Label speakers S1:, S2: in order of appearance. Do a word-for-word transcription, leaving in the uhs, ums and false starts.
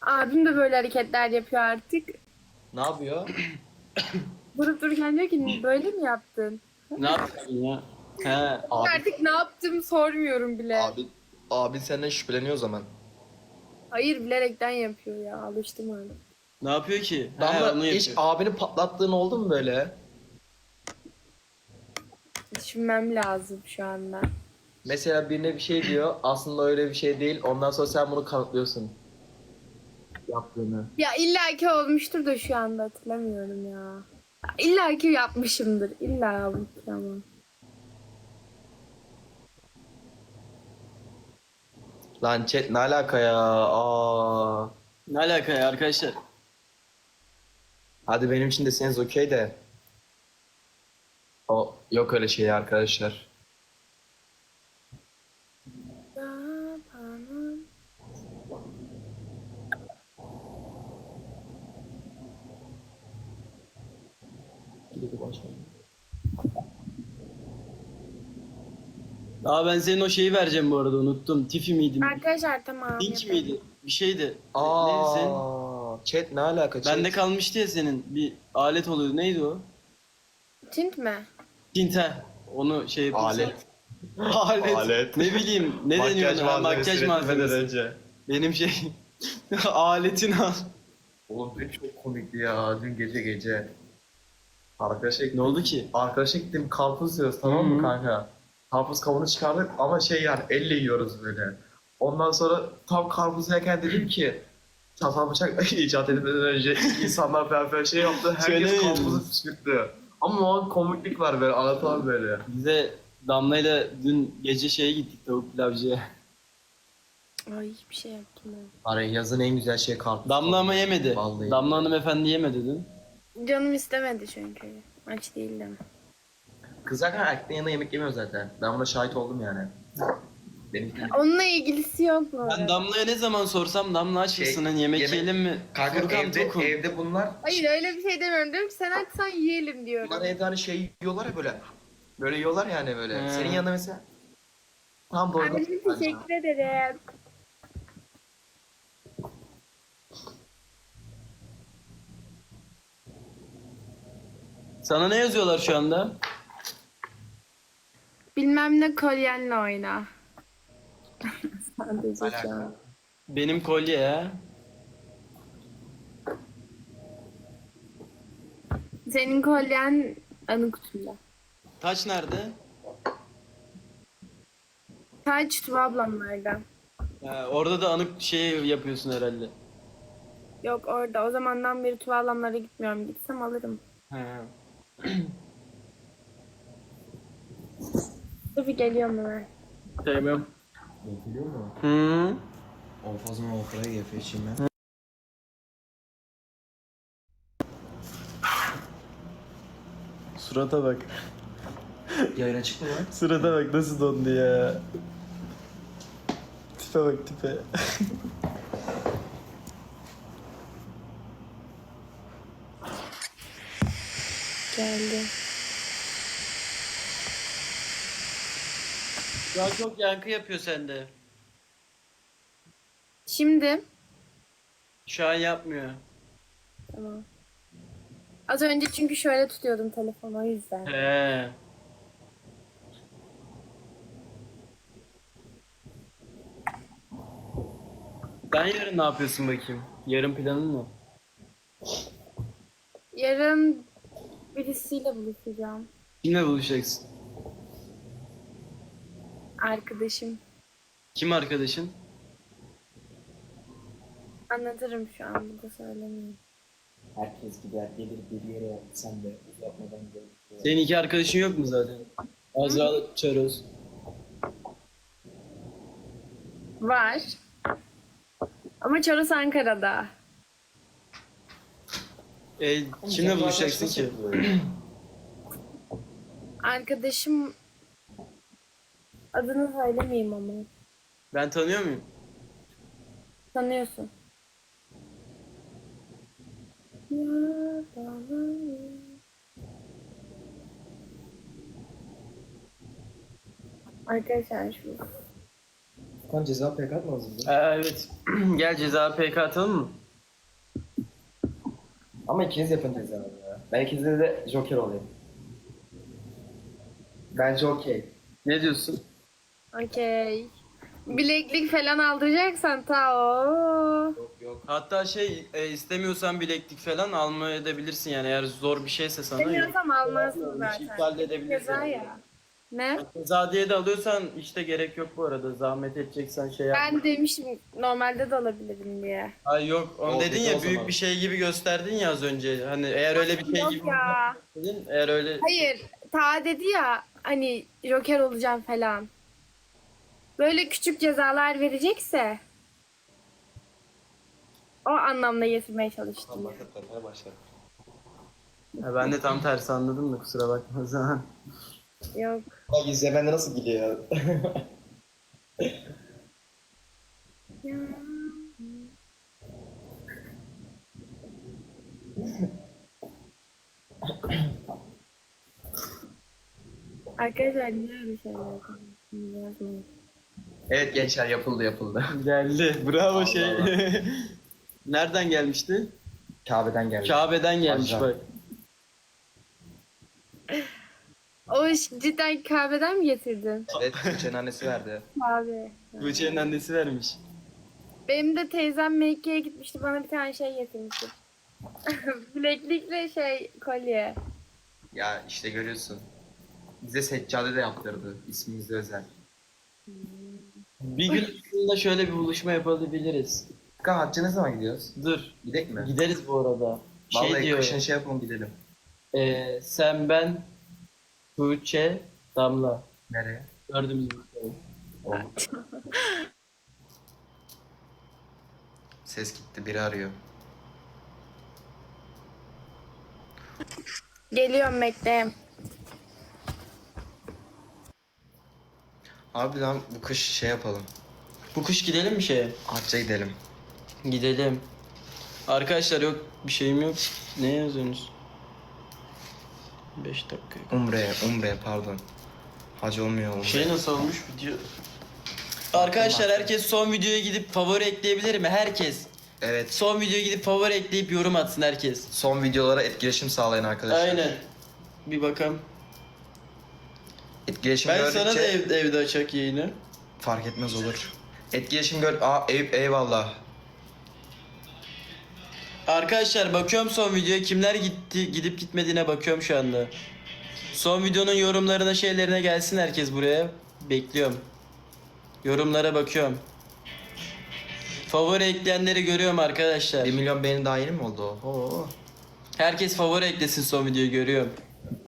S1: Abim de böyle hareketler yapıyor artık.
S2: Ne yapıyor?
S1: Durup dururken diyor ki böyle mi yaptın?
S3: Ne yapıyorsun ya? He.
S2: Abi,
S1: Artık ne yaptım sormuyorum bile.
S2: abi, abi senden şüpheleniyor o zaman.
S1: Hayır bilerekten yapıyor ya alıştım artık.
S3: Ne yapıyor ki? He,
S2: Damla
S3: onu
S2: hiç
S3: yapıyor.
S2: abini patlattığın oldu mu böyle?
S1: Düşünmem lazım şu anda.
S2: Mesela birine bir şey diyor, aslında öyle bir şey değil. Ondan sonra sen bunu kanıtlıyorsun. Yaptığını.
S1: Ya illaki olmuştur da şu anda hatırlamıyorum ya. İlla ki yapmışımdır. İlla bu ama.
S2: Lan chat ne alaka ya? Aa.
S3: Ne alaka ya arkadaşlar?
S2: Hadi benim için deseniz okey de. O yok öyle şey arkadaşlar.
S3: Aa ben senin o şeyi vereceğim bu arada unuttum. Tifi miydi?
S1: Arkadaşlar tamam.
S3: Link
S1: yapalım.
S3: miydi? Bir şeydi. Neydi senin?
S2: Aa, chat ne alaka chat?
S3: Bende kalmıştı ya senin. Bir alet oluyordu. Neydi o?
S1: Tint mi?
S3: Tinte. Onu şey yapıyorsun.
S2: Alet.
S3: Alet.
S2: Alet.
S3: Ne bileyim. Ne deniyor ona? Ha, Makyaj malzemesi.
S2: önce.
S3: Benim şey. Aletini al.
S2: Oğlum dün çok komikti ya. Dün gece gece. Arkadaşa
S3: Ne oldu ki?
S2: Arkadaşa gittim karpuz yiyoruz tamam mı
S3: Hı hı.
S2: kanka? Karpuz kabuğunu çıkardık ama şey yani elle yiyoruz böyle. Ondan sonra tam karpuz yerken dedim ki çatal bıçak icat edilmeden önce insanlar falan böyle şey yaptı. Herkes
S3: Söylemeyin.
S2: karpuzu püskürttü. Ama o an komiklik var böyle anlatamam böyle.
S3: Bize Damla'yla dün gece şeye gittik tavuk pilavcıya.
S1: Ay hiçbir şey yaptım ben.
S2: Hani yazın en güzel şey karpuz.
S3: Damla ama yemedi.
S2: Vallahi.
S3: Damla hanımefendi yemedi dün.
S1: Canım istemedi çünkü. Aç değildim.
S2: Kız zaten erkeklerin yanında yemek yemiyor zaten. Ben buna şahit oldum yani. Benim
S1: Onunla ilgisi yok mu?
S3: Ben Damla'ya ne zaman sorsam Damla aç
S2: Şey,
S3: mısın? Hani yemek,
S2: yemek-
S3: yiyelim mi?
S2: kanka
S3: Furkan
S2: evde,
S3: tokum.
S2: evde bunlar
S1: Hayır öyle bir şey demiyorum. Diyorum ki sen açsan yiyelim diyorum.
S2: bunlar evde hani şey yiyorlar ya böyle. Böyle yiyorlar yani böyle.
S3: He.
S2: Senin yanında mesela tam doğru.
S1: Anneciğim teşekkür ederim.
S3: Sana ne yazıyorlar şu anda?
S1: Bilmem ne kolyenle oyna. Sadece şu an.
S3: Benim kolye ya.
S1: Senin kolyen anı kutunda.
S3: Taç nerede?
S1: Taç Tuba ablamlarda.
S3: Ha, orada da anık şey yapıyorsun herhalde.
S1: Yok orada. O zamandan beri Tuba ablamlara gitmiyorum. Gitsem alırım.
S3: Ha.
S1: Dur bir geliyorum hemen.
S3: Sevmem.
S2: Biliyor musun?
S3: Hı.
S2: O fazla o kadar yapıyor şimdi.
S3: Surata bak.
S2: Yayına çıktı mı?
S3: Surata bak nasıl dondu ya. Tipe bak tipe.
S1: Geldi.
S3: Şu an çok yankı yapıyor sende.
S1: Şimdi.
S3: Şu an yapmıyor.
S1: Tamam. Az önce çünkü şöyle tutuyordum telefonu o yüzden.
S3: He. Sen yarın ne yapıyorsun bakayım? Yarın planın ne?
S1: Yarın birisiyle buluşacağım.
S3: Kimle buluşacaksın?
S1: Arkadaşım.
S3: Kim arkadaşın?
S1: Anlatırım şu an burada söylemeyeyim.
S4: Herkes gider gelir bir yere sen de uzatmadan gel.
S3: Senin iki arkadaşın yok mu zaten? Azra Çaroz.
S1: Var. Ama Çoros Ankara'da.
S3: E, kimle buluşacaksın ki?
S1: Arkadaşım adını söylemeyeyim ama.
S3: Ben tanıyor muyum?
S1: Tanıyorsun. Arkadaşlar şu
S4: Furkan ceza pek atmaz mı?
S3: Aa, evet. Gel ceza P K atalım mı?
S4: Ama ikiniz yapın ceza ya. Ben ikinizde de Joker olayım. Bence okey.
S3: Ne diyorsun?
S1: Okey. Bileklik falan aldıracaksan ta o.
S4: Yok yok.
S3: Hatta şey e, istemiyorsan bileklik falan almaya edebilirsin yani eğer zor bir şeyse sana.
S1: Demiyorsam almazsın
S3: Bir
S1: zaten.
S3: şey iptal de edebilirsin.
S1: Ceza ya. Ne?
S3: Ceza diye de alıyorsan işte gerek yok bu arada. Zahmet edeceksen şey yap.
S1: Ben demiştim normalde de alabilirim diye.
S3: Ay yok onu
S4: O
S3: dedin
S4: kötü
S3: ya
S4: o
S3: büyük
S4: zaman.
S3: bir şey gibi gösterdin ya az önce. Hani eğer öyle bir şey
S1: Yok
S3: gibi
S1: ya.
S3: dedin eğer öyle
S1: Hayır. Ta dedi ya hani Joker olacağım falan. Böyle küçük cezalar verecekse o anlamda getirmeye çalıştım.
S4: Başlatmaya başladı.
S3: Ha, ben de tam tersi anladım da kusura bakma o zaman.
S1: Yok.
S4: Bak izle bende nasıl gidiyor.
S1: Ya. Arkadaşlar niye öyle şeyler yapıyorsunuz? Yazmayın.
S2: Evet gençler yapıldı yapıldı.
S3: Geldi. Bravo
S4: Allah
S3: şey.
S4: Allah.
S3: Nereden gelmişti?
S4: Kabe'den geldi.
S3: Kabe'den gelmiş
S4: Ajan.
S3: bak.
S1: O iş cidden kahveden mi getirdin?
S2: Evet Tuğçe'nin annesi verdi.
S1: Kahve.
S3: Tuğçe'nin annesi vermiş.
S1: Benim de teyzem Mekke'ye gitmişti. Bana bir tane şey getirmişti. Bileklikle şey kolye.
S2: Ya işte görüyorsun. Bize seccade de yaptırdı. İsmimize özel.
S3: Bir gün aslında şöyle bir buluşma yapabiliriz.
S2: Furkan hacca ne zaman gidiyoruz?
S3: Dur.
S2: Gidek mi?
S3: Gideriz bu arada. Şey
S2: Vallahi
S3: diyor.
S2: kışın şey yapalım gidelim.
S3: e, sen ben Tuğçe Damla.
S2: Nereye?
S3: Dördümüz buluşalım.
S2: Olur. Ses gitti biri arıyor.
S1: Geliyorum Mekke'ye.
S2: Abi lan bu kış şey yapalım.
S3: Bu kış gidelim mi şeye?
S2: Hacca gidelim.
S3: Gidelim. Arkadaşlar yok bir şeyim yok. Ne yazıyorsunuz? beş dakika.
S2: Umre'ye, Umre'ye pardon. Hac olmuyor Umre.
S3: Şey nasıl olmuş video? Arkadaşlar herkes son videoya gidip favori ekleyebilir mi? Herkes.
S2: Evet.
S3: Son videoya gidip favori ekleyip yorum atsın herkes.
S2: Son videolara etkileşim sağlayın arkadaşlar.
S3: Aynen. Bir bakalım.
S2: Etkileşim
S3: Ben
S2: gördükçe
S3: sana da evde, evde açak yayını.
S2: fark etmez olur. Etkileşim gör... Aa ey- eyvallah.
S3: Arkadaşlar bakıyorum son videoya kimler gitti gidip gitmediğine bakıyorum şu anda. Son videonun yorumlarına şeylerine gelsin herkes buraya. Bekliyorum. Yorumlara bakıyorum. Favori ekleyenleri görüyorum arkadaşlar.
S2: bir milyon beğeni daha yeni mi oldu o? Oo.
S3: Herkes favori eklesin son videoyu görüyorum.